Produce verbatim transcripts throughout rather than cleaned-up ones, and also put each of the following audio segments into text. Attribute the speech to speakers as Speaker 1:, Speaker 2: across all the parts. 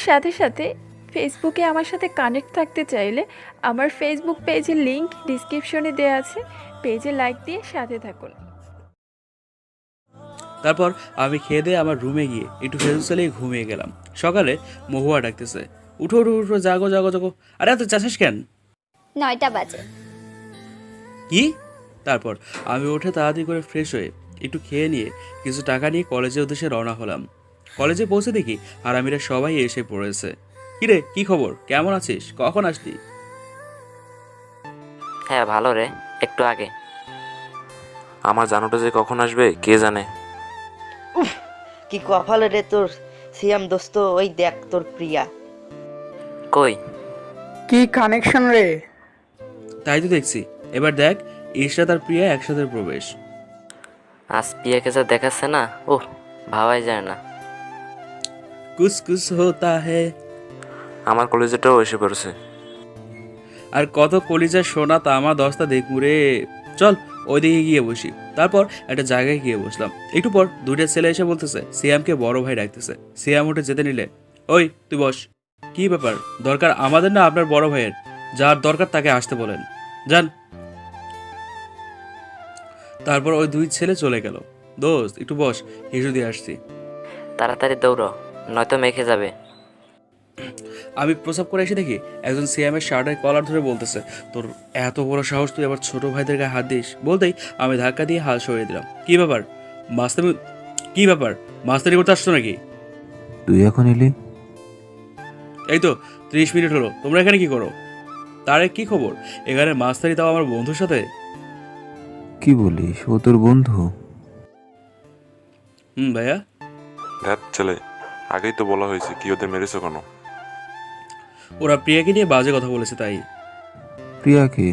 Speaker 1: সাথে সাথে ফেসবুকে আমার সাথে কানেক্ট থাকতে চাইলে আমার ফেসবুক পেজের লিংক ডিসক্রিপশনে দেওয়া আছে, পেজে লাইক দিয়ে সাথে থাকুন।
Speaker 2: তারপর আমি খেয়ে দিয়ে আমার রুমে গিয়ে একটু ফেসবুক চালিয়ে ঘুমিয়ে গেলাম। সকালে মহুয়া ডাকতেছে, উঠো উঠো উঠো, জাগো জাগো জাগো। আরে এত চাষাস কেন?
Speaker 3: নয়টা বাজে।
Speaker 2: কি? তারপর আমি উঠে তাড়াতাড়ি করে ফ্রেশ হয়ে একটু খেয়ে নিয়ে কিছু টাকা নিয়ে কলেজের উদ্দেশ্যে রওনা হলাম। কলেজে পৌঁছে দেখি আরামিরা সবাই এসে পড়েছে। কিরে, কি খবর, কেমন আছিস, কখন আসলি?
Speaker 4: হ্যাঁ ভালো রে, একটু আগে।
Speaker 5: আমার জানুটা যে কখন আসবে কে জানে।
Speaker 6: উফ, কি কপালে রে তোর সিয়াম দোস্ত, ওই দেখ তোর প্রিয়া।
Speaker 4: কই?
Speaker 7: কি কানেকশন রে?
Speaker 2: তাই তো দেখছি। এবার দেখ, ঈশা তার প্রিয়া একসাথে প্রবেশ।
Speaker 4: আজ পিয়াকে যা দেখাচ্ছে না, ওহ ভাবাই যায় না।
Speaker 2: কুছ কুছ হোতা হ্যায়।
Speaker 5: আমার কলেজেটাও এসে পড়েছে।
Speaker 2: আর কত কলিজা সোনা তামা দস্তা দেখবো রে। চল ওইদিকে গিয়ে বসি। তারপর একটা জায়গায় গিয়ে বসলাম। একটু পর দুইটা ছেলে এসে বলতেছে সিয়ামকে বড় ভাই ডাকতেছে। সিয়াম উঠে যেতে নিলে, ওই তুই বস। কি ব্যাপার, দরকার আমাদের না আপনার বড় ভাইয়ের? যার দরকার তাকে আসতে বলেন, যান। তারপর ওই দুই ছেলে চলে গেল। দোস্ত একটু বস, হিসু দিয়ে আসছি।
Speaker 4: তাড়াতাড়ি দৌড়ো, নয়তো মেখে যাবে।
Speaker 2: আমি প্রসাব করে এসে দেখি একজন সিএমের শার্টের কলার ধরে বলতেছে, তোর এত বড় সাহস, তুই আবার ছোট ভাইদের গায়ে হাত দিস? বলতেই আমি ধাক্কা দিয়ে হাত সরিয়ে দিলাম। কি ব্যাপার মাস্তানি, কি ব্যাপার মাস্তানি করতে আসছো নাকি?
Speaker 8: তুই এখন এলি?
Speaker 2: এই তো ত্রিশ মিনিট হলো, তোমরা এখানে কি করো? তারে কি খবর, এখানে মাস্তানি তাও আমার বন্ধুর সাথে?
Speaker 8: কি বলিস, ও তোর বন্ধু?
Speaker 2: হুম ভাইয়া।
Speaker 5: ধ্যাত ছেলে, আগেই তো বলা হয়েছে, কি ওদের মেরেছো কেন?
Speaker 2: ওরা প্রিয়াকে নিয়ে বাজে কথা বলেছে তাই।
Speaker 8: প্রিয়াকে?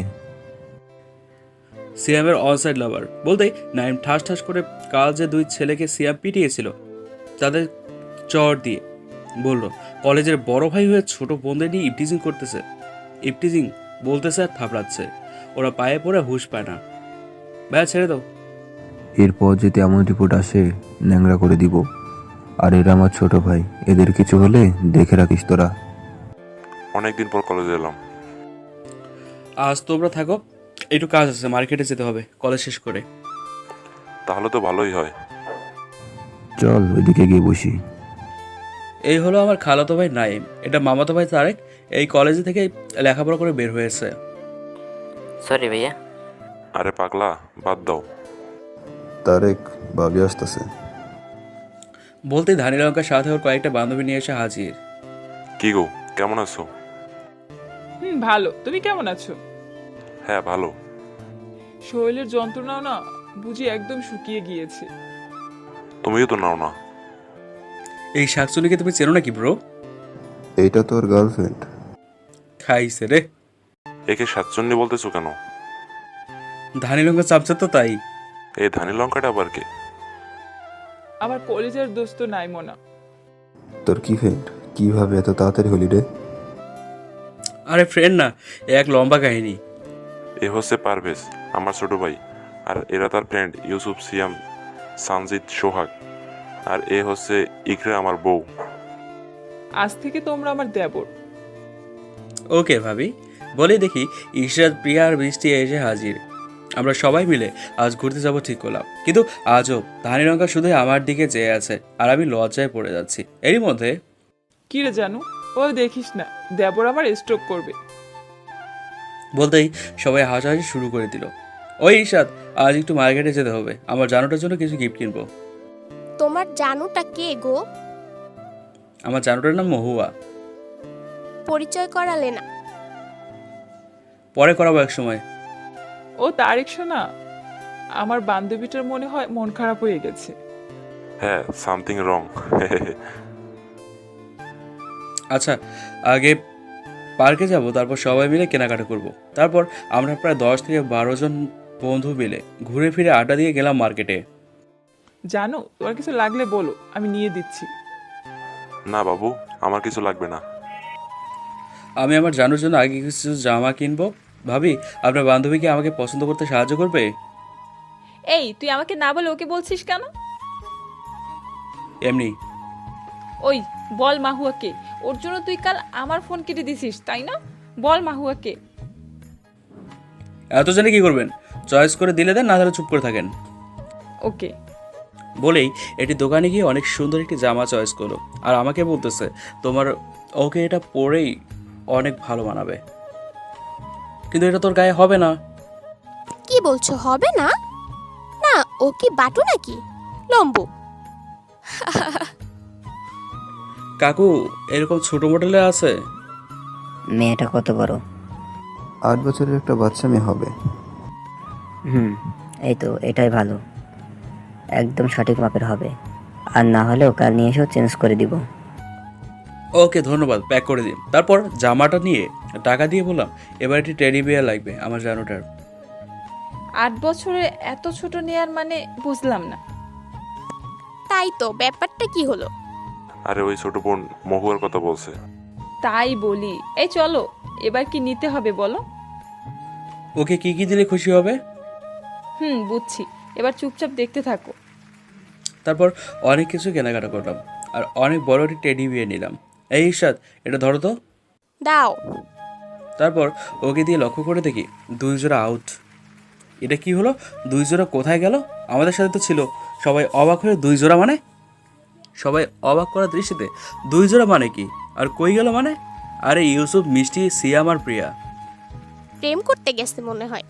Speaker 2: সিয়ামের অনসাইড লাভার। বলতেই নাইম ঠাস ঠাস করে কাল যে দুই ছেলেকে সিয়াম পিটিয়েছিল তাদের চর দিয়ে বলল, কলেজের বড় ভাই হয়ে ছোট বোনদের নিয়ে ইপটিজিং করতেছে। ইপটিজিং বলতেছে আর থাপড়াচ্ছে। ওরা পায়ে পড়ে হুঁশ পায় না। ভাইয়া ছেড়ে দাও।
Speaker 8: এরপর যদি এমন রিপোর্ট আসে, ন্যাংরা করে দিব। আর এরা আমার ছোট ভাই, এদের কিছু হলে দেখে রাখিস তোরা।
Speaker 5: অনেকদিন পর কলেজে এলাম।
Speaker 2: আজ তোমরা থাকো, একটু কাজ আছে, মার্কেটে যেতে হবে কলেজ শেষ করে।
Speaker 5: তাহলে তো ভালোই হয়।
Speaker 8: চল ওইদিকে গিয়ে বসি।
Speaker 2: এই হলো আমার খালাতো ভাই নাইম, এটা মামাতো ভাই তারেক। এই কলেজে থেকে লেখাপড়া করে বের হয়েছে।
Speaker 4: সরি ভাইয়া।
Speaker 5: আরে পাগলা, বাদ দাও।
Speaker 8: তারেক, ভাবি আসতেছে।
Speaker 2: বলতেই ধানি লঙ্কার সাথে ওর কয়েকটা বান্ধবী নিয়ে এসে হাজির।
Speaker 5: কি গো, কেমন আছো?
Speaker 9: হুম ভালো, তুমি কেমন আছো?
Speaker 5: হ্যাঁ ভালো।
Speaker 9: শরীরের যন্ত্রণাও না বুঝি একদম শুকিয়ে গিয়েছে।
Speaker 5: তুমিও তো নাও না।
Speaker 2: এই শাকচুনিকে তুমি চেনো নাকি ব্রো?
Speaker 8: এইটা তোর গার্লফ্রেন্ড?
Speaker 2: খাইছে রে।
Speaker 5: একে সাতচন্নি বলতেছো কেন?
Speaker 2: ধানি লঙ্কা চাপছে তো তাই।
Speaker 5: এই ধানি লঙ্কাটা আবার কে?
Speaker 9: আমার কলেজের দোস্ত নাইমোনা।
Speaker 8: তোর কি ফ্রেন্ড? কিভাবে এত তাড়াতাড়ি হলি রে?
Speaker 2: আরে ফ্রেন্ড না, এ এক লম্বা কাহিনী।
Speaker 5: এ হচ্ছে পারভেজ, আমার ছোট ভাই। আর এরা তার ফ্রেন্ড ইউসুফ, সিয়াম, সানজিদ, সোহাগ। আর এ হচ্ছে ইকরা, আমার বউ।
Speaker 9: আজ থেকে তোমরা আমার দেবর।
Speaker 2: ওকে ভাবি। বলে দেখি ইশরাত, প্রিয়া আর বৃষ্টি এসে হাজির। আমরা সবাই মিলে আজ ঘুরতে যাব ঠিক করলাম, কিন্তু আজও ধানি লঙ্কা শুধু আমার দিকে চেয়ে আছে আর আমি লজ্জায় পড়ে যাচ্ছি। এরই মধ্যে
Speaker 9: কি রে জানু, ও দেখিস না, দেবর আমার স্ট্রোক করবে।
Speaker 2: বলতেই সবাই হাসাহাসি শুরু করে দিল। ওই ঈশাদ, আজ একটু মার্কেটে যেতে হবে, আমার জানুটার জন্য কিছু গিফট কিনবো।
Speaker 3: তোমার জানুটা কে গো?
Speaker 2: আমার জানুটার নাম মহুয়া।
Speaker 3: পরিচয় করালে না।
Speaker 2: পরে করাবো এক সময়।
Speaker 9: ও তারিক শোনা, আমার বান্ধবীটার মনে হয় মন খারাপ হয়ে গেছে।
Speaker 5: হ্যাঁ, সামথিং রং।
Speaker 2: আচ্ছা, আগে পার্কে যাব, তারপর সবাই মিলে কেনাকাটা করব। তারপর আমরা প্রায় দশ থেকে বারো জন বন্ধু মিলে ঘুরে ফিরে আড্ডা দিয়ে গেলাম মার্কেটে।
Speaker 9: জানো, তোমার কিছু লাগলে বলো, আমি নিয়ে দিচ্ছি।
Speaker 5: না বাবু, আমার কিছু লাগবে না।
Speaker 2: আমি আমার জানুর জন্য আগে কিছু জামা কিনবো। ভাবি, আপনার বান্ধবীকে আমাকে পছন্দ করতে সাহায্য করবে?
Speaker 1: এই তুই আমাকে না বলে ওকে বলছিস কেন?
Speaker 2: এমনি।
Speaker 1: ওই বল মাহুয়াকে,
Speaker 9: ওর জন্য তুই কাল আমার ফোন কেটে দিছিস তাই না? বল মাহুয়াকে।
Speaker 2: এত জানে কি করবেন? চয়েস করে দিলে দেন, না তাহলে চুপ করে থাকেন।
Speaker 9: ওকে।
Speaker 2: বলেই এটি দোকানে গিয়ে অনেক সুন্দর একটি জামা চয়েস করলো আর আমাকে বলতেছে তোমার ওকে এটা পরেই অনেক ভালো মানাবে, কিন্তু এটা তোর গায়ে হবে না।
Speaker 3: কি বলছো হবে না? না ও কি বাটু নাকি লম্বু?
Speaker 2: কাকু এরকম ছোট মডেলে আছে?
Speaker 10: মেয়েটা কত বড়?
Speaker 8: আট বছরের একটা বাচ্চা মেয়ে হবে।
Speaker 10: হুম, এই তো এটাই ভালো, একদম সঠিক মাপের হবে। আর না হলেও কাল নিয়ে এসেও চেঞ্জ করে দিব।
Speaker 2: ওকে ধন্যবাদ, প্যাক করে দিন। তারপর জামাটা নিয়ে টাকা দিয়ে বললাম এবার একটি টেডি বিয়ার লাগবে আমার জানোটার।
Speaker 9: আট বছরে এত ছোট নেয়ার মানে বুঝলাম না।
Speaker 3: তাই তো, ব্যাপারটা কি হলো?
Speaker 5: আরে ওই ছোট বোন মহুয়ার কথা বলছে।
Speaker 9: তাই বলি, এই চলো এবার কি নিতে হবে বলো।
Speaker 2: ওকে কি কি দিলে খুশি হবে?
Speaker 9: হুম বুঝছি, এবার চুপচাপ দেখতে থাকো।
Speaker 2: তারপর অনেক কিছু কেনাকাটা করলাম আর অনেক বড় একটি টেডি বিয়ার নিলাম। এই ঈর্ষাদ এটা ধরো তো।
Speaker 3: দাও।
Speaker 2: তারপর ওকে দিয়ে লক্ষ্য করে দেখি দুই জোড়া আউট। এটা কি হলো? দুই জোড়া কোথায় গেল? আমাদের সাথে তো ছিল। সবাই অবাক হয়ে দুই জোড়া মানে? সবাই অবাক করার দৃষ্টিতে দুই জোড়া মানে কি আর কই গেল মানে? আরে ইউসুফ, মিষ্টি, সিয়াম আর প্রিয়া।
Speaker 3: প্রেম করতে গেছে মনে হয়।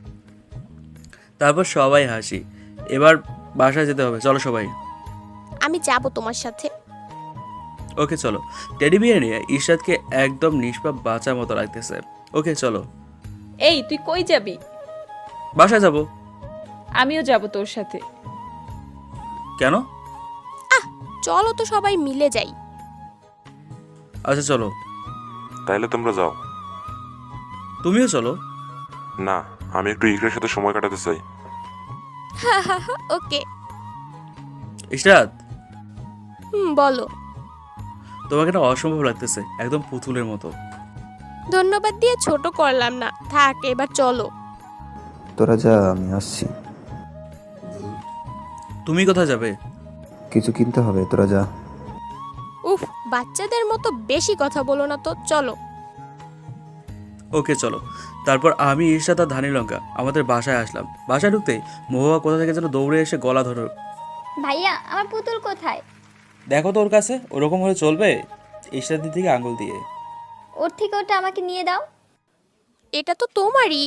Speaker 2: তারপর সবাই হাসি। এবার বাসায় যেতে হবে, চলো সবাই।
Speaker 3: আমি যাব তোমার সাথে।
Speaker 2: ওকে চলো। টেডি বিয়ার নিয়ে ঈর্ষাদকে একদম নিষ্পাপ বাঁচার মতো লাগতেছে। ওকে চলো।
Speaker 9: এই তুই কই যাবি?
Speaker 2: বাসায় যাব।
Speaker 9: আমিও যাব তোর সাথে।
Speaker 2: কেন?
Speaker 3: চলো তো সবাই মিলে যাই।
Speaker 2: আচ্ছা চলো।
Speaker 5: তাইলে তোমরা যাও।
Speaker 2: তুমিও চলো।
Speaker 5: না, আমি একটু ইকরার সাথে সময় কাটাতে চাই।
Speaker 3: ওকে।
Speaker 2: ঈর্ষাদ
Speaker 3: হুম বলো।
Speaker 2: তোমাকে না অসম্ভব লাগতেছে, একদম পুতুলের মতো।
Speaker 3: ধন্যবাদ দিয়ে ছোট করলাম না, থাক এবার চলো।
Speaker 8: তোরা যা, আমি আসছি।
Speaker 2: তুমি কোথায় যাবে?
Speaker 8: কিছু কিনতে হবে, তোরা যা।
Speaker 3: উফ, বাচ্চাদের মতো বেশি কথা বলো না তো, চলো।
Speaker 2: ওকে চলো। তারপর আমি ঈর্ষাদ আর ধানি লঙ্কা আমাদের বাসায় আসলাম। বাসায় ঢুকতেই মহুয়া কোথা থেকে যেন দৌড়ে এসে গলা ধরো।
Speaker 3: ভাইয়া আমার পুতুল কোথায়?
Speaker 2: দেখো তো ওর কাছে, ওরকম হলে চলবে? ঈর্ষাদের দিকে আঙুল দিয়ে।
Speaker 3: ওর থেকে ওটা আমাকে নিয়ে দাও। এটা তো তোমারই।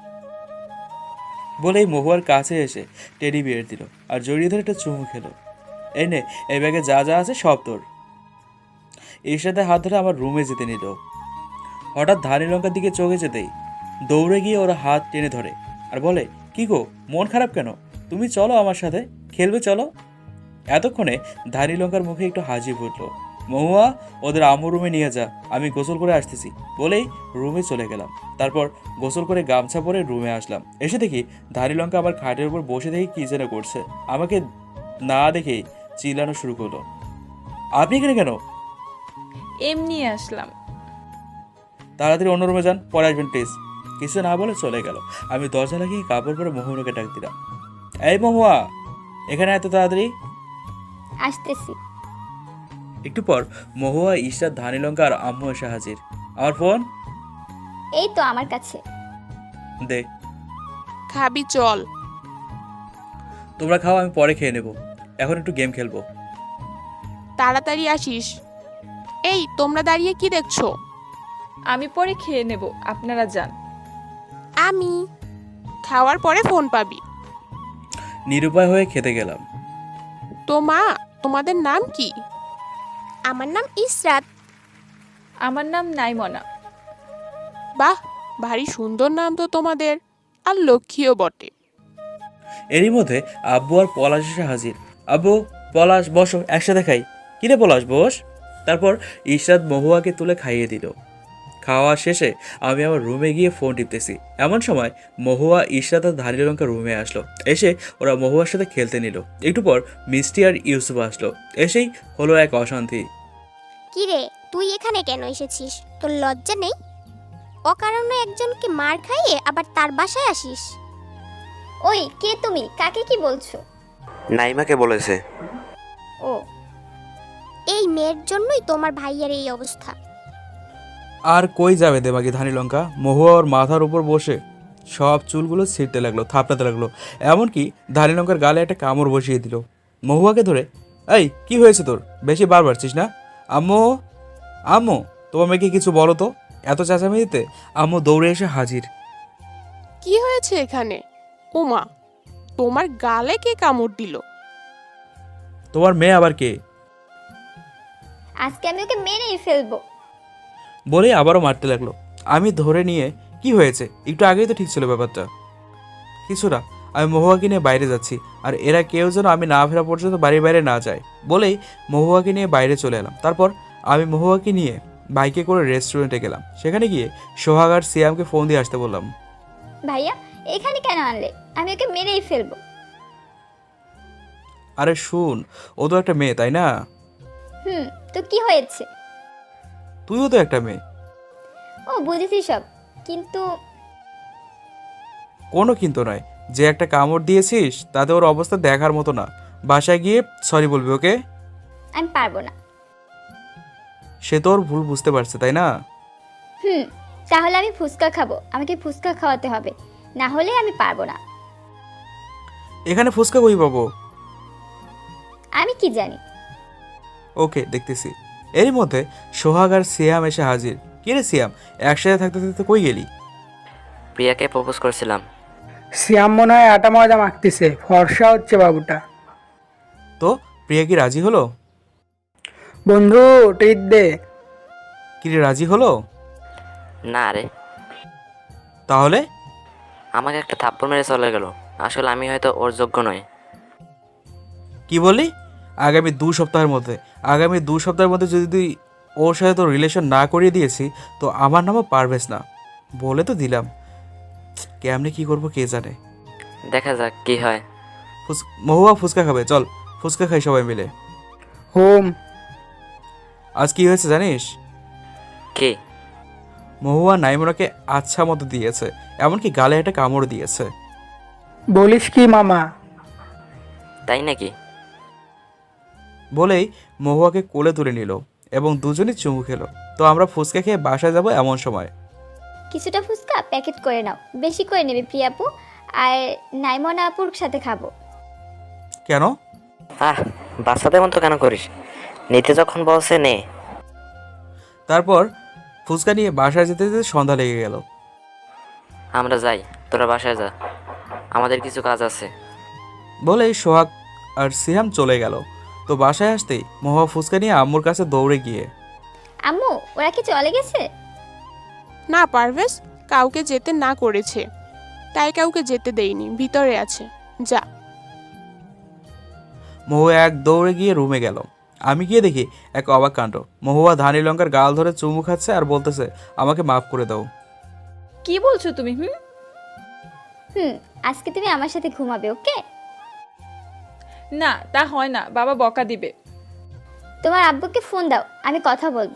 Speaker 2: বলেই মহুয়ার কাছে এসে টেডি বিয়ার দিল আর জড়িয়ে ধরে একটা চুমু খেলো। এই নে, এই ব্যাগে যা যা আছে সব তোর। ঈর্ষাদের হাত ধরে আমার রুমে যেতে নিল। হঠাৎ ধানি লঙ্কার দিকে চোখে যেতেই দৌড়ে গিয়ে ওরা হাত টেনে ধরে আর বলে, কি গো মন খারাপ কেন? তুমি চলো আমার সাথে খেলবে, চলো। এতক্ষণে ধানি লঙ্কার মুখে একটু হাসি ফুটলো। মহুয়া ওদের আম্মু রুমে নিয়ে যা, আমি গোসল করে আসতেছি বলেই রুমে চলে গেলাম। তারপর গোসল করে গামছা পরে রুমে আসলাম। এসে দেখি ধানি লঙ্কা আমার খাটের উপর বসে দেখি কি যেন করছে। আমাকে না দেখেই চিল্লানো শুরু করলো, আপনি এখানে কেন?
Speaker 9: এমনি আসলাম।
Speaker 2: তাড়াতাড়ি অন্য রুমে যান, পরে আসবেন প্লিজ। কিছু না বলে চলে গেল। আমি দরজা লাগিয়ে কাপড় পরে মহুয়াকে ডাক দিলাম, এই মহুয়া এখানে এত তাড়াতাড়ি?
Speaker 3: আসতেছি।
Speaker 2: একটু পর মহুয়া, ঈর্ষাদ, ধানি লঙ্কা আর আম্মু এসে হাজির। আমার ফোন
Speaker 3: এই তো আমার কাছে।
Speaker 2: দে।
Speaker 9: খাবি চল।
Speaker 2: তোমরা খাও, আমি পরে খেয়ে নেব। এখন একটু গেম খেলবো।
Speaker 9: তাড়াতাড়ি আসিস। এই তোমরা দাঁড়িয়ে কি দেখছো? আমি পরে খেয়ে নেব, আপনারা যান।
Speaker 3: আমি
Speaker 9: খাওয়ার পরে ফোন পাবি।
Speaker 2: নিরুপায় হয়ে খেতে গেলাম।
Speaker 9: তো মা, তোমাদের নাম কি?
Speaker 3: আমার নাম ইসরাত।
Speaker 9: আমার নাম নাইমনা।
Speaker 11: বাহ, ভারী সুন্দর নাম তো তোমাদের, আর লক্ষ্মীও বটে।
Speaker 2: এরই মধ্যে আব্বু আর পলাশ এসে হাজির। আব্বু, পলাশ বসো, একসাথে খাই। কিরে পলাশ বস। তারপর ঈর্ষাদ মহুয়াকে তুলে খাইয়ে দিল। খাওয়া শেষে আমি আমার রুমে গিয়ে ফোন টিপতেছি। এমন সময় মহুয়া, ঈর্ষাদ আর ধানি লঙ্কা রুমে আসলো। এসে ওরা মহুয়ার সাথে খেলতে নিল। একটু পর মিষ্টি আর ইউসুফ আসলো। এসেই হলো এক অশান্তি।
Speaker 3: কি রে, তুই এখানে কেন এসেছিস? তোর লজ্জা নেই? অকারণে একজনকে মার খাইয়ে আবার তার বাসায় আসিস? ওই কে তুমি? কাকে কি বলছো?
Speaker 4: নাইমাকে বলেছে।
Speaker 3: ও, এই মেয়ের জন্যই তোমার ভাইয়ের এই অবস্থা।
Speaker 2: আর কই যাবে দেবাকি ধানি লঙ্কা? মহুয়া ওর মাথার উপর বসে সব চুলগুলো ছিঁড়তে লাগলো, থাপড়াতে লাগলো, এমনকি ধানি লঙ্কার গালে একটা কামড় বসিয়ে দিল। মহুয়াকে ধরে, এই কি হয়েছে তোর? বেশি বার বাড়ছিস না? আম্মু, আম্মু, তোমার মেয়েকে কিছু বলো তো। এত চেঁচামেচিতে আম্মু দৌড়ে এসে হাজির।
Speaker 11: কি হয়েছে এখানে? ওমা, তোমার গালে কে কামড় দিল?
Speaker 2: তোমার মেয়ে আবার কে?
Speaker 3: আজকে আমি ওকে মেরেই ফেলবো।
Speaker 2: বলে আবারও মারতে লাগলো। আমি ধরে নিয়ে, কি হয়েছে? একটু আগেই তো ঠিক ছিল ব্যাপারটা। কিছু না, আমি মহুয়াকে নিয়ে বাইরে যাচ্ছি, আর এরা কেউ যেন আমি না ফেরা পর্যন্ত বাড়ির বাইরে না যায় বলেই মহুয়াকে নিয়ে বাইরে চলে এলাম। তারপর আমি মহুয়াকে নিয়ে বাইকে করে রেস্টুরেন্টে গেলাম। সেখানে গিয়ে সোহাগ আর সিয়ামকে ফোন দিয়ে আসতে বললাম।
Speaker 3: ভাইয়া এখানে কেন আনলে? আমি ওকে মেরেই ফেলবো।
Speaker 2: আরে শুন, ও তো একটা মেয়ে, তাই না?
Speaker 3: হুম, তো কি হয়েছে?
Speaker 2: তুইও তো একটা মেয়ে।
Speaker 3: ও বুঝেছি সব, কিন্তু
Speaker 2: কোনো কিন্তু নয়, যে একটা কামড় দিয়েছিস তাতে ওর অবস্থা দেখার মতো না। বাসায় গিয়ে সরি বলবি ওকে।
Speaker 3: আমি পারবো না।
Speaker 2: সে তোর ভুল বুঝতে পারছে, তাই না?
Speaker 3: হুম, তাহলে আমি ফুচকা খাবো। আমাকে ফুচকা খাওয়াতে হবে, না হলে আমি পারবো না।
Speaker 2: এখানে ফুচকা কই পাবো?
Speaker 3: আমি কি জানি।
Speaker 2: ওকে, দেখতেছি। এরই মধ্যে সোহাগ আর সিয়াম এসে হাজির। কি রে সিয়াম, একসাথে থাকতে থাকতে কই গেলি?
Speaker 4: প্রিয়াকে প্রপোজ করেছিলাম।
Speaker 7: সিয়াম মনে হয় আটা ময়দা মাখতেছে, ফর্সা হচ্ছে বাবুটা।
Speaker 2: তো প্রিয়া কি রাজি হলো?
Speaker 7: বন্ধু ট্রিট দে।
Speaker 2: কি রে, রাজি হলো?
Speaker 4: না রে,
Speaker 2: তাহলে?
Speaker 4: আমাকে একটা থাপ্পড় মেরে চলে গেল। আসলে আমি হয়তো ওর যোগ্য নই।
Speaker 2: কি বললি? আগামী দু সপ্তাহের মধ্যে আগামী দু সপ্তাহের মধ্যে যদি তুই ওর সাথে তোর রিলেশন না করিয়ে দিয়েছি তো আমার নামও পারভেজ না। বলে তো দিলাম, কেমনে কি করবো কে জানে।
Speaker 4: দেখা যাক কি হয়।
Speaker 2: ফুস- মহুয়া ফুচকা খাবে, চল ফুচকা খাই সবাই মিলে।
Speaker 7: হোম।
Speaker 2: আজ কি হয়েছে জানিস?
Speaker 4: কি?
Speaker 2: মহুয়া নাইমুনাকে আচ্ছা মতো দিয়েছে, এমনকি গালে একটা কামড় দিয়েছে।
Speaker 7: বলিস কি মামা?
Speaker 4: তাই নাকি?
Speaker 2: বলেই মহুয়াকে কোলে তুলে নিল এবং দুজনই চুমু খেলো। তো আমরা ফুচকা খেয়ে বাসায় যাব এমন সময়।
Speaker 3: কিছুটা ফুচকা প্যাকেট করে নাও, বেশি করে নেবে প্রিয়াপু, আর নাইমনা আপুর সাথে খাবো।
Speaker 2: কেন?
Speaker 4: আহ, বাচ্চাদের মতো কেন করিস? নিতে যখন বলছে নে।
Speaker 2: তারপর ফুচকা নিয়ে বাসায় যেতে যেতে সন্ধ্যা লেগে গেল।
Speaker 4: আমরা যাই, তোরা বাসায় যা, আমাদের কিছু কাজ আছে।
Speaker 2: বলেই সোহাগ আর সিহাম চলে গেল। তো বাসায় আসতেই মহুয়া ফুচকা নিয়ে আম্মুর কাছে দৌড়ে গিয়ে,
Speaker 3: আম্মু ওরা কি চলে গেছে?
Speaker 11: না পারভেজ, কাউকে যেতে না করেছে, তাই কাউকে যেতে দেইনি, ভিতরে আছে, যা।
Speaker 2: মহুয়া এক দৌড়ে গিয়ে রুমে গেল। আমি গিয়ে দেখি এক অবাক কাণ্ড। মহুয়া ধানি লঙ্কার গাল ধরে চুমু খাচ্ছে আর বলতেছে, আমাকে মাফ করে দাও।
Speaker 1: কি বলছো তুমি? হুম
Speaker 3: হুম, আজকে তুমি আমার সাথে ঘুমাবে, ওকে?
Speaker 1: না, তা হয় না, বাবা বকা দিবে।
Speaker 3: তোমার আব্বুকে ফোন দাও, আমি কথা বলবো।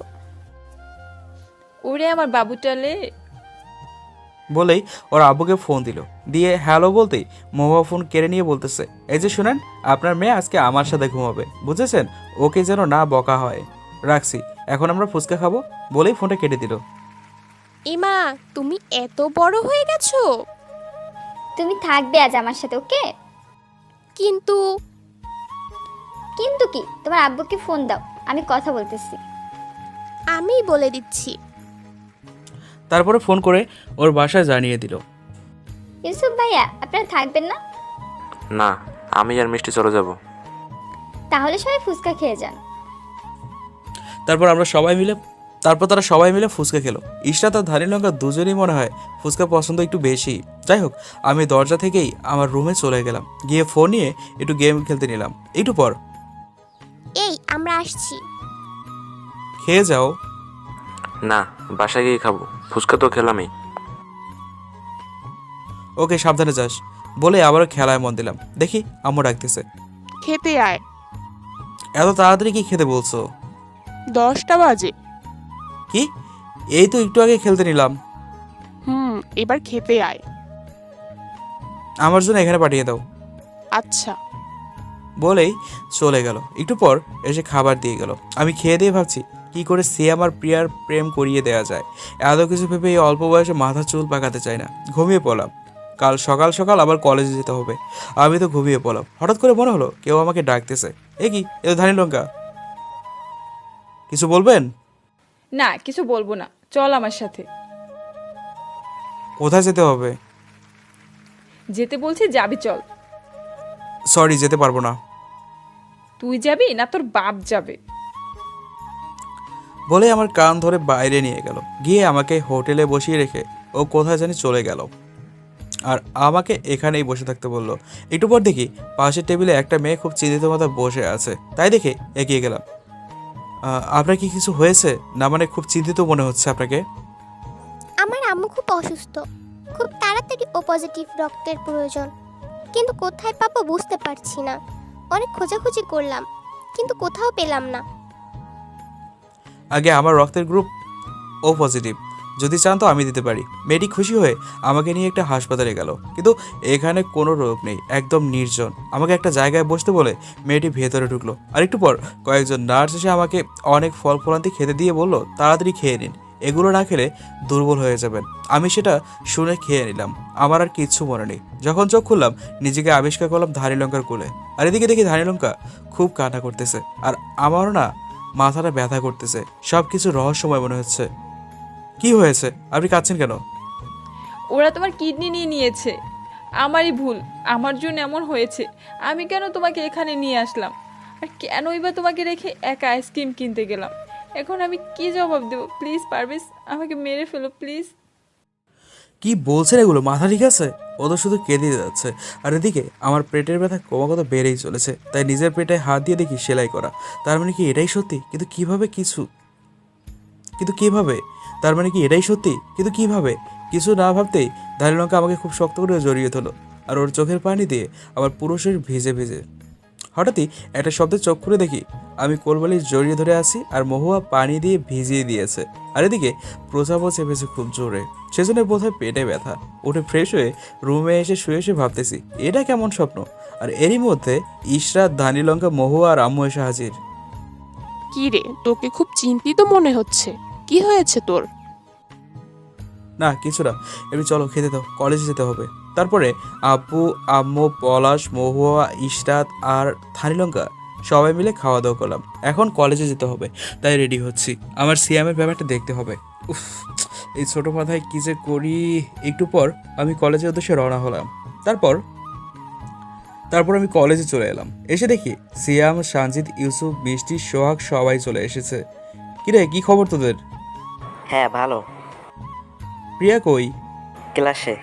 Speaker 1: ওরে আমার বাবুটালে।
Speaker 2: বলেই ওর আব্বুকে ফোন দিল। দিয়ে হ্যালো বলতেই মহুয়া ফোন কেড়ে নিয়ে বলতেছে, এই যে শুনেন, আপনার মেয়ে আজকে আমার সাথে ঘুমাবে, বুঝেছেন? ওকে যেন না বকা হয়। রাখছি, এখন আমরা ফুচকা খাবো। বলেই ফোনটা কেটে দিল।
Speaker 11: ইমা, তুমি এত বড় হয়ে গেছো।
Speaker 3: তুমি থাকবে আজ আমার সাথে, ওকে?
Speaker 11: কিন্তু
Speaker 3: কিন্তু কি? তোমার আব্বুকে ফোন দাও, আমি কথা বলতেছি।
Speaker 11: আমি বলে দিচ্ছি।
Speaker 2: তারপরে ফোন করে ওর বাসায় জানিয়ে দিল।
Speaker 3: ইউসুফ ভাইয়া, আপনারা থাকবেন না?
Speaker 5: না, আমি আর মিষ্টি চলে যাব।
Speaker 3: তাহলে সবাই ফুচকা খেয়ে যান।
Speaker 2: তারপর আমরা সবাই মিলে তারপর তারা সবাই মিলে ফুচকা খেলো। ইশরাত আর ধানি লঙ্কা দুজনেই মনে হয় ফুচকা পছন্দ একটু বেশি। যাই হোক, আমি দরজা থেকেই আমার রুমে চলে গেলাম। গিয়ে ফোন নিয়ে একটু গেম খেলতে নিলাম। একটু পর,
Speaker 3: এই আমরা আসছি।
Speaker 2: খেয়ে যাও।
Speaker 5: না, বাসায় গিয়ে খাবো, ফুচকা তো খেলামই।
Speaker 2: ওকে, সাবধানে যাস। বলে আবারও খেলায় মন দিলাম। দেখি আম্মু ডাকতেছে।
Speaker 11: খেতে আয়।
Speaker 2: এত তাড়াতাড়ি কি খেতে বলছো?
Speaker 11: দশটা বাজে।
Speaker 2: কি? এই তো একটু আগে খেলতে নিলাম।
Speaker 11: হুম, এবার খেতে আয়।
Speaker 2: আমার জন্য এখানে পাঠিয়ে দাও।
Speaker 11: আচ্ছা।
Speaker 2: বলেই চলে গেল। একটু পর এসে খাবার দিয়ে গেল। আমি খেয়ে দিয়ে ভাবছি কি করে সিয়াম আর প্রিয়ার প্রেম করিয়ে দেওয়া যায়। এত কিছু ভেবে এই অল্প বয়সে মাথা চুল পাকাতে চাই না। ঘুমিয়ে পড়লাম। কাল সকাল সকাল আবার কলেজে যেতে হবে। আমি তো ঘুমিয়ে পড়লাম। হঠাৎ করে মনে হলো কেউ আমাকে ডাকতেছে। এ কি, এ তো ধানি লঙ্কা। কিছু বলবেন?
Speaker 1: না, কিছু বলবো না, চল আমার সাথে।
Speaker 2: কোথায় যেতে হবে?
Speaker 1: যেতে বলছি, যাবি চল।
Speaker 2: সরি, যেতে পারবো না।
Speaker 1: তুই যাবি না তোর বাপ যাবে?
Speaker 2: বলে আমার কান ধরে বাইরে নিয়ে গেল। গিয়ে আমাকে হোটেলে বসিয়ে রেখে ও কোথায় জানি চলে গেল, আর আমাকে এখানেই বসে থাকতে বললো। একটু পর দেখি পাশের টেবিলে একটা মেয়ে খুব চিন্তিত মাথা বসে আছে। তাই দেখে এগিয়ে গেলাম। আহ, আপনার কি কিছু হয়েছে? না মানে খুব চিন্তিত মনে হচ্ছে আপনাকে।
Speaker 3: আমার আম্মু খুব অসুস্থ, খুব তাড়াতাড়ি ও পজিটিভ রক্তের প্রয়োজন, কিন্তু কোথায় পাবো বুঝতে পারছি না। অনেক খোঁজাখুঁজি করলাম কিন্তু কোথাও পেলাম না।
Speaker 2: আগে আমার রক্তের গ্রুপ ও পজিটিভ, যদি চান তো আমি দিতে পারি। মেয়েটি খুশি হয়ে আমাকে নিয়ে একটা হাসপাতালে গেল, কিন্তু এখানে কোনো রোগ নেই, একদম নির্জন। আমাকে একটা জায়গায় বসতে বলে মেয়েটি ভেতরে ঢুকলো। আর একটু পর কয়েকজন নার্স এসে আমাকে অনেক ফল ফলান্তি খেতে দিয়ে বলল, তাড়াতাড়ি খেয়ে নিন, এগুলো না খেলে দুর্বল হয়ে যাবেন। আমি সেটা শুনে খেয়ে নিলাম। আমার আর কিচ্ছু মনে নেই। যখন চোখ খুললাম নিজেকে আবিষ্কার করলাম ধানি লঙ্কার কোলে। আর এদিকে দেখি ধানি লঙ্কা খুব কান্না করতেছে, আর আমারও না মাথাটা ব্যথা করতেছে। সব কিছু রহস্যময় মনে হচ্ছে। কি হয়েছে? আপনি কাঁদছেন কেন?
Speaker 1: ওরা তোমার কিডনি নিয়ে নিয়েছে। আমারই ভুল, আমার জন্য এমন হয়েছে। আমি কেন তোমাকে এখানে নিয়ে আসলাম, আর কেনই বা তোমাকে রেখে একা আইসক্রিম কিনতে গেলাম? এখন আমি কি জবাব দেবো? প্লিজ পারভেজ, আমাকে মেরে ফেলো প্লিজ।
Speaker 2: কি বলছেন এগুলো? মাথা ঠিক আছে? ও তো শুধু কেঁদে যাচ্ছে। আর এদিকে আমার পেটের ব্যথা ক্রমাগত বেড়েই চলেছে। তাই নিজের পেটে হাত দিয়ে দেখি সেলাই করা। তার মানে কি এটাই সত্যি? কিন্তু কিভাবে কিছু কিন্তু কিভাবে তার মানে কি এটাই সত্যি? কিন্তু কিভাবে কিছু না ভাবতেই ধানি লঙ্কা আমাকে খুব শক্ত করে জড়িয়ে ধরলো, আর ওর চোখের পানি দিয়ে আমার পুরো শরীর ভিজে ভিজে। হঠাৎই একটা শব্দে চোখ খুলে দেখি আমি কোলবালিশ জড়িয়ে ধরে আছি, আর মহুয়া পানি দিয়ে ভিজিয়ে দিয়েছে। আর এদিকে প্রচাপও চেপেছে খুব জোরে। সেজন্য বোধহয় পেটে ব্যথা। উঠে ফ্রেশ হয়ে রুমে এসে শুয়ে শুয়ে ভাবতেছি এটা কেমন স্বপ্ন। আর এরই মধ্যে ইশরাত, ধানি লঙ্কা, মহুয়া আর আম্মু এসে হাজির।
Speaker 11: কি রে, তোকে খুব চিন্তিত মনে হচ্ছে। কি হয়েছে তোর?
Speaker 2: না কিছু না, এমনি চলো খেতে দাও, কলেজে যেতে হবে। তারপরে আব্বু, আম্মু, পলাশ, মহুয়া, ইশরাত আর ধানি লঙ্কা সবাই মিলে খাওয়া দাওয়া করলাম। এখন কলেজে যেতে হবে, তাই রেডি হচ্ছি। আমার সিয়ামের ব্যাপারটা দেখতে হবে। উফ, এই ছোটো মাথায় কী যে করি। একটু পর আমি কলেজের উদ্দেশ্যে রওনা হলাম। তারপর তারপর আমি কলেজে চলে এলাম। এসে দেখি সিয়াম, সানজিদ, ইউসুফ, বৃষ্টি, সোহাগ সবাই চলে এসেছে। কিরে, কি খবর তোদের?
Speaker 4: হ্যাঁ ভালো।
Speaker 2: প্রিয়া কই?
Speaker 4: ক্লাসে।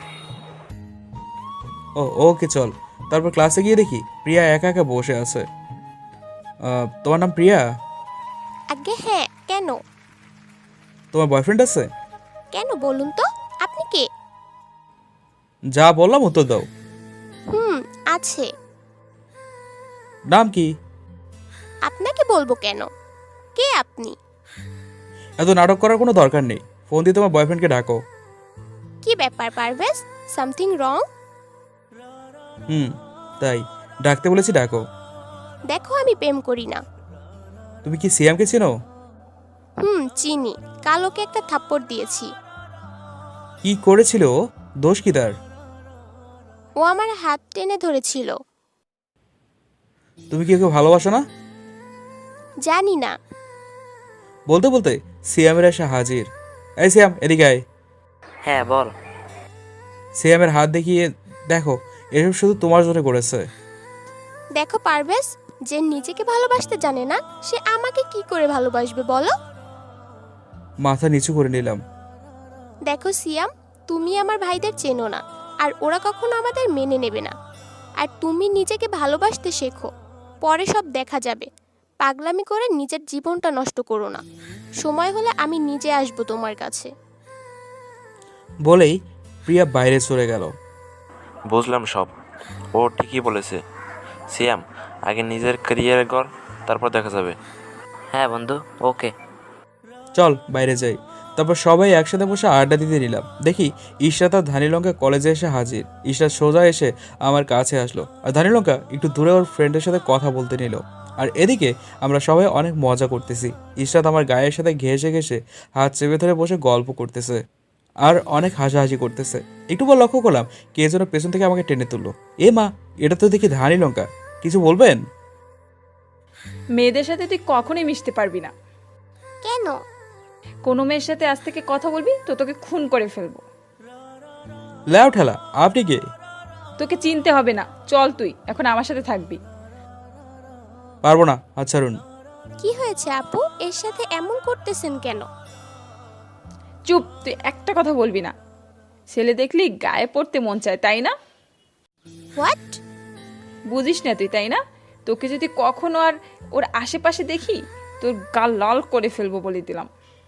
Speaker 2: ও ওকে চল। তারপর ক্লাসে গিয়ে দেখি প্রিয়া একা একা বসে আছে। আহ, তোমার নাম প্রিয়া?
Speaker 3: আগে হ্যাঁ, কেন?
Speaker 2: তোমার বয়ফ্রেন্ড আছে?
Speaker 3: কেন বলুন তো, আপনি কে?
Speaker 2: যা বললাম উত্তর দাও।
Speaker 3: হুম, আছে।
Speaker 2: নাম কি?
Speaker 3: আপনাকে বলবো কেন? কে আপনি?
Speaker 2: এত নাটক করার কোনো দরকার নেই। ফোন দিয়ে তোমার বয়ফ্রেন্ডকে ডাকো।
Speaker 3: কি ব্যাপার পারভেজ, সামথিং রং?
Speaker 2: হুম, তাই ডাকতে বলেছি, ডাকো।
Speaker 3: দেখো আমি প্রেম করি না।
Speaker 2: তুমি কি সিয়ামকে চেনো?
Speaker 3: হুম, চিনি। কাল ওকে একটা থাপ্পড় দিয়েছি।
Speaker 2: কি করেছিল ও? দোষ কি তার?
Speaker 3: ও আমার হাত টেনে ধরেছিল।
Speaker 2: তুমি কি ওকে ভালোবাসো না?
Speaker 3: জানি না।
Speaker 2: বলতে বলতে সিয়ামের এসে হাজির। এই সিয়াম, এদিকে আয়।
Speaker 4: হ্যাঁ বল।
Speaker 2: সিয়ামের হাত দেখিয়ে দেখো, এসব শুধু তোমার জন্য করেছে।
Speaker 3: দেখো পারভেজ, যে নিজেকে ভালোবাসতে জানে না সে আমাকে কি করে ভালোবাসবে বলো?
Speaker 2: মাথা নিচু করে নিলাম।
Speaker 3: দেখো সিয়াম, তুমি আমার ভাইদের চেনো না, আর ওরা কখনো আমাদের মেনে নেবে না। আর তুমি নিজেকে ভালোবাসতে শেখো, পরে সব দেখা যাবে। পাগলামি করে নিজের জীবনটা নষ্ট করো না। সময় হলে আমি নিজে আসবো তোমার কাছে।
Speaker 2: বলেই প্রিয়া বাইরে চলে গেল।
Speaker 5: বুঝলাম সব, ও ঠিকই বলেছে। সিয়াম, আগে নিজের ক্যারিয়ার কর, তারপর দেখা যাবে।
Speaker 4: হ্যাঁ বন্ধু, ওকে।
Speaker 2: চল বাইরে যাই। তারপর সবাই একসাথে বসে আড্ডা দিতে নিলাম। দেখি ইশরাত আর ধানিলঙ্কা কলেজে এসে হাজির। ইশরাত সোজা এসে আমার কাছে আসলো, আর ধানিলঙ্কা একটু দূরে ওর ফ্রেন্ডের সাথে কথা বলতে নিল। আর এদিকে আমরা সবাই অনেক মজা করতেছি। ইশরাত আমার গায়ের সাথে ঘেঁষে ঘেঁষে হাত চেপে ধরে বসে গল্প করতেছে আর অনেক হাসাহাসি করতেছে। একটু পর লক্ষ্য করলাম কে যেন পেছন থেকে আমাকে টেনে তুললো। এ মা, এটা তো দেখি ধানিলঙ্কা। কিছু বলবেন?
Speaker 1: মেয়েদের সাথে তুই কখনোই মিশতে পারবি না।
Speaker 3: কেন?
Speaker 1: কোনো মেয়ের সাথে আজ থেকে কথা বলবি তো তোকে খুন করে ফেলবো।
Speaker 2: ল্যাও ঠেলা, আপনি কে?
Speaker 1: তোকে চিনতে হবে না, চল তুই এখন আমার সাথে থাকবি।
Speaker 2: পারবো না, আচ্ছা রুন।
Speaker 3: কি হয়েছে আপু, এর সাথে এমন করতেছেন কেন?
Speaker 1: চুপ, তুই একটা কথা বলবি না। ছেলে দেখলি গায়ে পড়তে মন চায়, তাই না?
Speaker 3: হোয়াট?
Speaker 1: বুঝিস না তুই, তাই না? তোকে যদি কখনো আর ওর আশেপাশে দেখি তোর গাল লাল করে ফেলবো বলে দিলাম।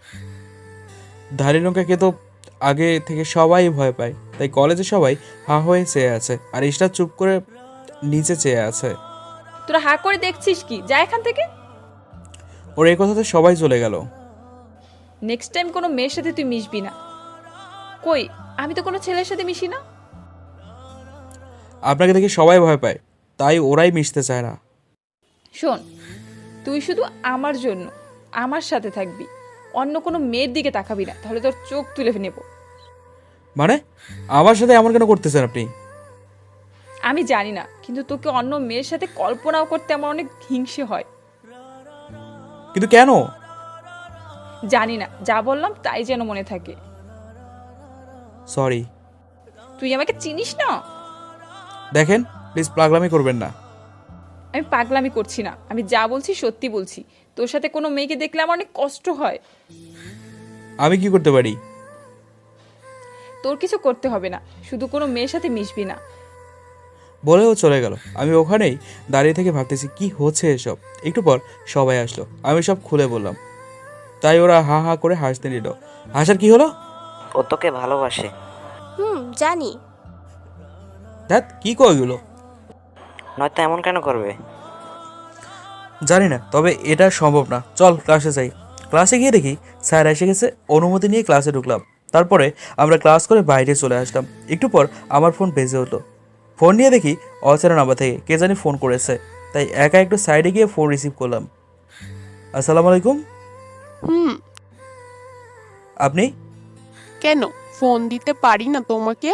Speaker 2: ধানিলঙ্কাকে তো আগে থেকে সবাই ভয় পায়, তাই কলেজে সবাই হা হয়ে চেয়ে আছে, আর ইশরাত চুপ করে নিচে চেয়ে আছে।
Speaker 1: তোরা হা করে দেখছিস কি? যা এখান থেকে।
Speaker 2: ওর এই কথাতে সবাই চলে গেল।
Speaker 1: নেক্সট টাইম কোনো মেয়ের সাথে তুই মিশবি না। কই, আমি তো কোনো ছেলের সাথে মিশি না।
Speaker 2: আপনাকে দেখে সবাই ভয় পায়, তাই ওরাই মিশতে চায় না।
Speaker 1: শোন, তুই শুধু আমার জন্য আমার সাথে থাকবি, অন্য কোনো মেয়ের দিকে তাকাবি না, তাহলে তোর চোখ তুলে নেব।
Speaker 2: মানে আমার সাথে এমন কেন করতেছেন আপনি?
Speaker 1: আমি জানি না, কিন্তু তোকে অন্য মেয়ের সাথে কল্পনাও করতে আমার অনেক হিংসে হয়।
Speaker 2: কিন্তু কেন?
Speaker 1: জানি না, যা বললাম তাই যেন মনে থাকে।
Speaker 2: সরি।
Speaker 1: তুই আমাকে চিনিস না।
Speaker 2: দেখেন, প্লিজ পাগলামি করবেন না।
Speaker 1: আমি পাগলামি করছি না, আমি যা বলছি সত্যি বলছি। তোর সাথে কোনো মেয়েকে দেখলে আমার অনেক কষ্ট হয়।
Speaker 2: আমি কি করতে পারি?
Speaker 1: তোর কিছু করতে হবে না, শুধু কোনো মেয়ের সাথে মিশবি না।
Speaker 2: বলেও চলে গেল। আমি ওখানেই দাঁড়িয়ে থেকে ভাবতেছি কি হচ্ছে এসব। একটু পর সবাই আসলো, আমি সব খুলে বললাম, তাই ওরা হা হা করে হাসতে নিল। হাসার কি হলো?
Speaker 4: ও তোকে ভালোবাসে।
Speaker 3: হুম, জানি।
Speaker 2: দেখ কি কইগুলো।
Speaker 4: নয়তো এমন কেন করবে?
Speaker 2: জানি না, তবে এটা সম্ভব না। চল ক্লাসে যাই। ক্লাসে গিয়ে দেখি স্যার এসে গেছে। অনুমতি নিয়ে ক্লাসে ঢুকলাম। তারপরে আমরা ক্লাস করে বাইরে চলে আসলাম। একটু পর আমার ফোন বেজে উঠলো। ফোন নিয়ে দেখি অচেনা নাম্বার থেকে কে জানি ফোন করেছে, তাই একা একটু সাইডে গিয়ে ফোন রিসিভ করলাম। আসসালামু আলাইকুম।
Speaker 11: হুম।
Speaker 2: আপনি?
Speaker 11: কেন, ফোন দিতে পারি না তোমাকে?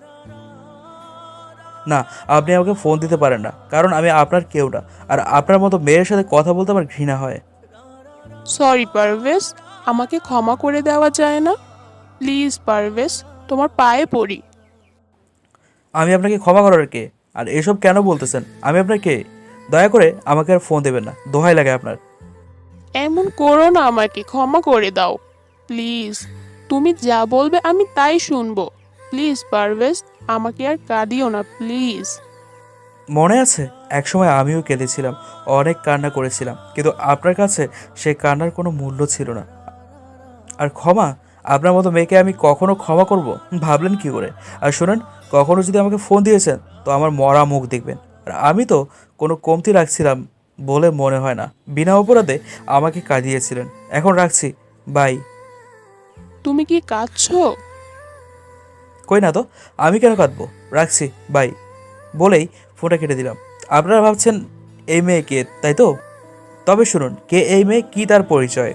Speaker 2: না, আপনি আমাকে ফোন দিতে পারেন না, কারণ আমি আপনার কেউ না। আর আপনার মতো মেয়ের সাথে কথা বলতে আমার ঘৃণা হয়।
Speaker 11: সরি পারভেজ, আমাকে ক্ষমা করে দেওয়া যায় না? প্লিজ পারভেজ, তোমার পায়ে পড়ি।
Speaker 2: আমি আপনাকে ক্ষমা করার কে? আর এসব কেন বলতেছেন? আমি আপনার কে? দয়া করে আমাকে আর ফোন দেবেন না, দোহাই লাগে আপনার।
Speaker 11: এমন করো না, আমাকে ক্ষমা করে দাও প্লিজ। তুমি যা বলবে আমি তাই শুনবো। প্লিজ পারভেজ, আমাকে আর কাঁদিও না প্লিজ।
Speaker 2: মনে আছে একসময় আমিও কেঁদেছিলাম, অনেক কান্না করেছিলাম, কিন্তু আপনার কাছে সে কান্নার কোনো মূল্য ছিল না। আর ক্ষমা, আপনার মতো মেয়েকে আমি কখনো ক্ষমা করব? ভাবলেন কি করে? আর শোনেন, কখনো যদি আমাকে ফোন দিয়েছেন তো আমার মরা মুখ দেখবেন। আর আমি তো কোনো কমতি রাখছিলাম বলে মনে হয় না। বিনা অপরাধে আমাকে কাঁদিয়েছিলেন। এখন রাখছি, বাই।
Speaker 11: তুমি কি কাঁদছো?
Speaker 2: কই না তো, আমি কেন কাঁদবো? রাখছি, বাই বলেই ফোনটা কেটে দিলাম। আপনারা ভাবছেন এই মেয়ে কে, তাই তো? তবে শুনুন, কে এই মেয়ে, কি তার পরিচয়।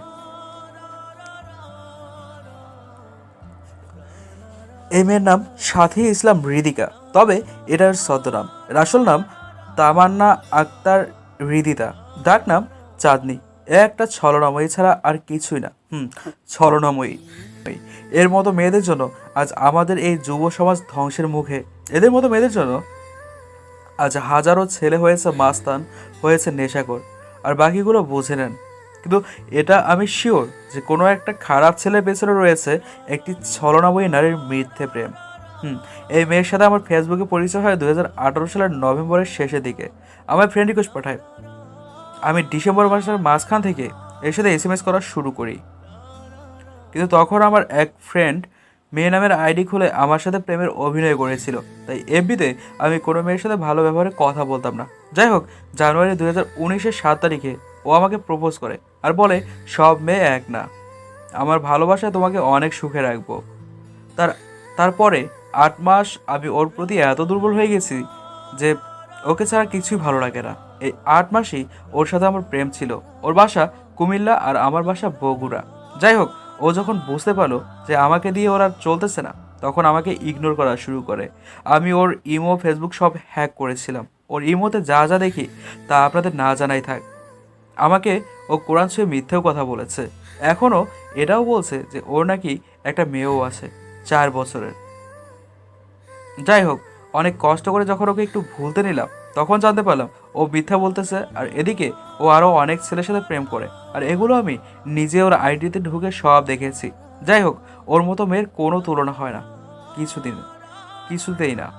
Speaker 2: এই মেয়ের নাম সাথী ইসলাম হৃদিকা, তবে এটার ছদ্মনাম। এর আসল নাম তামান্না আক্তার হৃদিতা, ডাক নাম চাঁদনি। এ একটা ছলনাময়ী ছাড়া আর কিছুই না। হুম, ছলনাময়ী। এর মতো মেয়েদের জন্য আজ আমাদের এই যুব সমাজ ধ্বংসের মুখে। এদের মতো মেয়েদের জন্য আজ হাজারো ছেলে হয়েছে মাস্তান, হয়েছে নেশাখোর, আর বাকিগুলো বুঝে নেন। কিন্তু এটা আমি শিওর যে কোনো একটা খারাপ ছেলের পেছনে রয়েছে একটি ছলনাময়ী নারীর মিথ্যে প্রেম। হুম এই মেয়ের সাথে আমার ফেসবুকে পরিচয় হয় দুই হাজার আঠারো সালের নভেম্বরের শেষের দিকে। আমার ফ্রেন্ড রিকোয়েস্ট পাঠায়। আমি ডিসেম্বর মাসের মাঝখান থেকে এর সাথে এস এম এস করা শুরু করি। কিন্তু তখন আমার এক ফ্রেন্ড মেয়ে নামের আইডি খুলে আমার সাথে প্রেমের অভিনয় করেছিল, তাই এফবিতে আমি কোনো মেয়ের সাথে ভালো ব্যবহারে কথা বলতাম না। যাই হোক, জানুয়ারি দুই হাজার উনিশের সাত তারিখে ও আমাকে প্রপোজ করে আর বলে সব মেয়ে এক না। আমার ভালোবাসায় তোমাকে অনেক সুখে রাখবো। তার তারপরে আট মাস আমি ওর প্রতি এত দুর্বল হয়ে গেছি যে ওকে ছাড়া কিছুই ভালো লাগে না। এই আট মাসই ওর সাথে আমার প্রেম ছিল। ওর বাসা কুমিল্লা আর আমার বাসা বগুড়া। যাই হোক, ও যখন বুঝতে পারলো যে আমাকে দিয়ে ওর আর চলতেছে না, তখন আমাকে ইগনোর করা শুরু করে। আমি ওর ইমো ফেসবুক সব হ্যাক করেছিলাম। ওর ইমোতে যা যা দেখি তা আপনাদের না জানাই থাক। আমাকে ও কোরআন ছুঁয়ে মিথ্যেও কথা বলেছে। এখনও এটাও বলছে যে ওর নাকি একটা মেয়েও আছে, চার বছরের। যাই হোক, অনেক কষ্ট করে যখন ওকে একটু ভুলতে নিলাম, তখন জানতে পারলাম ও মিথ্যা বলতেছে। আর এদিকে ও আরও অনেক ছেলের সাথে প্রেম করে, আর এগুলো আমি নিজে ওর আইডিতে ঢুকে সব দেখেছি। যাই হোক, ওর মতো মেয়ের কোনো তুলনা হয় না, কিছুদিন কিছুতেই না।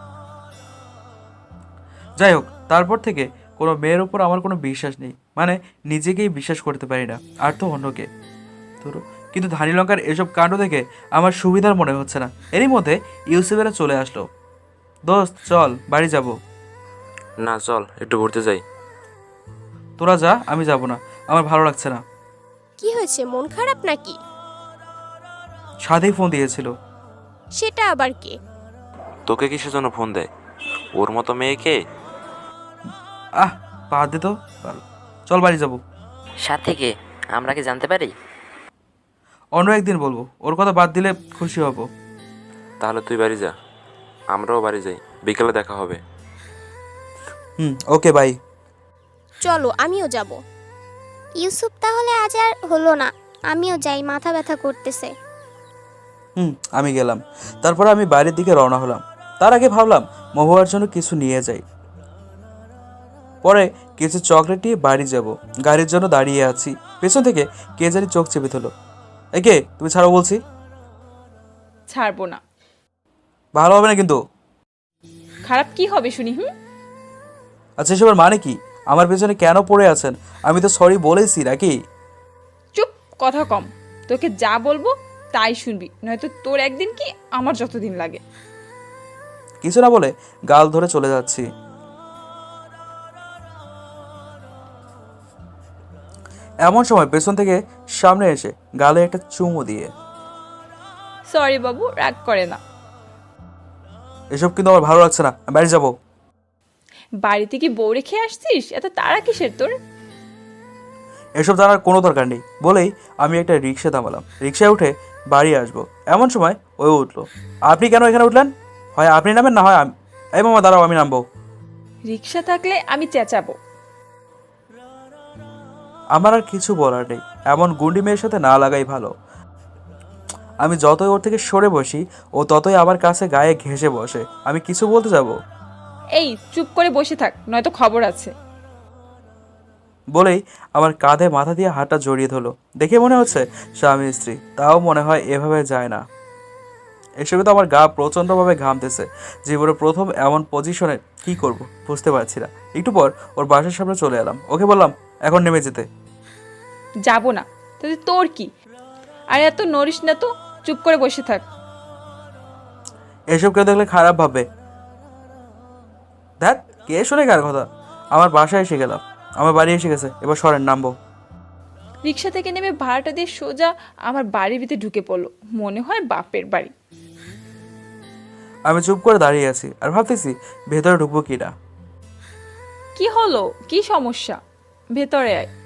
Speaker 2: যাই হোক, তারপর থেকে কোনো মেয়ের উপর আমার কোনো বিশ্বাস নেই, মানে নিজেকেই বিশ্বাস করতে পারি না, আর তো অন্যকে। ধরো, কিন্তু ধানি লঙ্কার এসব কাণ্ড দেখে আমার সুবিধার মনে হচ্ছে না। এরই মধ্যে ইউসুফেরা চলে আসলো। দোস্ত চল, বাড়ি যাব।
Speaker 5: না, চল একটু ঘুরতে যাই।
Speaker 2: তোরা যা, আমি যাব না, আমার ভালো লাগছে না।
Speaker 3: কি হয়েছে, মন খারাপ নাকি?
Speaker 2: সাথেই ফোন দিয়েছিল।
Speaker 3: সেটা আবার কে?
Speaker 5: তোকে কিসের জন্য ফোন দেয়? ওর মতো মেয়েকে?
Speaker 2: আহ, বাদ দে তো, ভালো। চল বাড়ি যাব।
Speaker 4: সাথে কে, আমরা কি জানতে পারি?
Speaker 2: অন্য একদিন বলবো, ওর কথা বাদ দিলে খুশি হব।
Speaker 5: তাহলে তুই বাড়ি যা, আমরাও বাড়ি যাই, বিকেলে দেখা হবে।
Speaker 2: হুম, ওকে, বাই।
Speaker 3: চলো, আমিও যাব।
Speaker 12: ইউসুফ তাহলে আজ আর হলো না, আমিও যাই, মাথা ব্যথা করতেছে।
Speaker 2: হুম, আমি গেলাম। তারপর আমি বাড়ির দিকে রওনা হলাম। তার আগে ভাবলাম মহুয়ার জন্য কিছু নিয়ে যাই। পরে কিছু চকলেট নিয়ে বাড়ি যাব। গাড়ির জন্য দাঁড়িয়ে আছি, পেছন থেকে কে জানি চোখ চেপে ধরলো। একে, তুমি ছাড়ো বলছি।
Speaker 1: ছাড়বো না।
Speaker 2: ভালো হবে না কিন্তু।
Speaker 1: খারাপ কি হবে শুনি? হুম,
Speaker 2: আচ্ছা, এসবের মানে কি? আমার পেছনে কেন পড়ে আছেন? আমি তো সরি বলেছি নাকি?
Speaker 1: চুপ, কথা কম। তোকে যা বলবো তাই শুনবি, নয়তো তোর একদিন কি আমার যতদিন লাগে।
Speaker 2: কিছু না বলে গাল ধরে চলে যাচ্ছি। এমন সময় পেছন থেকে সামনে এসে গালে একটা চুমু দিয়ে,
Speaker 1: সরি বাবু, রাগ করে না।
Speaker 2: এসব কিন্তু আমার ভালো লাগছে না, আমি বাড়ি যাবো।
Speaker 1: বাড়িতে কি বউ রেখে আসছিস? এত তাড়া কিসের তোর?
Speaker 2: এসব জানার কোনো দরকার নেই বলেই আমি একটা রিক্সা থামালাম। রিক্সায় উঠে বাড়ি আসবো, এমন সময় ওই উঠলো। আপনি কেন এখানে উঠলেন? হয় আপনি নামেন, না হয় আমি। এই মামা দাঁড়াও, আমি নামবো।
Speaker 1: রিক্সা থাকলে আমি চেঁচাবো।
Speaker 2: আমার আর কিছু বলার নেই, এমন গুন্ডি মেয়ের সাথে না লাগাই ভালো। আমি যতই ওর থেকে সরে বসি, ও ততই আমার কাছে গায়ে ঘেঁষে বসে। আমি কিছু বলতে যাব
Speaker 1: এই চুপ করে বসে থাক, নয়তো খবর আছে।
Speaker 2: বলেই আমার কাঁধে মাথা দিয়ে হাতটা জড়িয়ে ধরলো। দেখে মনে হচ্ছে স্বামী স্ত্রী, তাও মনে হয় এভাবে যায় না। এসবে তো আমার গা প্রচণ্ডভাবে ঘামতেছে। জীবনে প্রথম এমন পজিশনে কি করব বুঝতে পারছি না। একটু পর ওর বাসার সামনে চলে এলাম। ওকে বললাম এখন নেমে যেতে।
Speaker 1: যাব না, তাহলে তোর কি? আর এত নড়িস না তো, চুপ করে বসে থাক।
Speaker 2: এসব কেউ দেখলে খারাপ ভাববে। দেখ, কে শুনে কার কথা? আমার বাসায় এসে গেলাম, আমার বাড়ি এসে গেছে, এবার সরেন, নামবো।
Speaker 1: রিক্সা থেকে নেমে ভাড়াটা দিয়ে সোজা আমার বাড়ির ভিতরে ঢুকে পড়লো, মনে হয় বাপের বাড়ি।
Speaker 2: আমি চুপ করে দাঁড়িয়ে আছি আর ভাবতেছি ভেতরে ঢুকবো কি না।
Speaker 1: কি হলো, কি সমস্যা? ভেতরে আয়।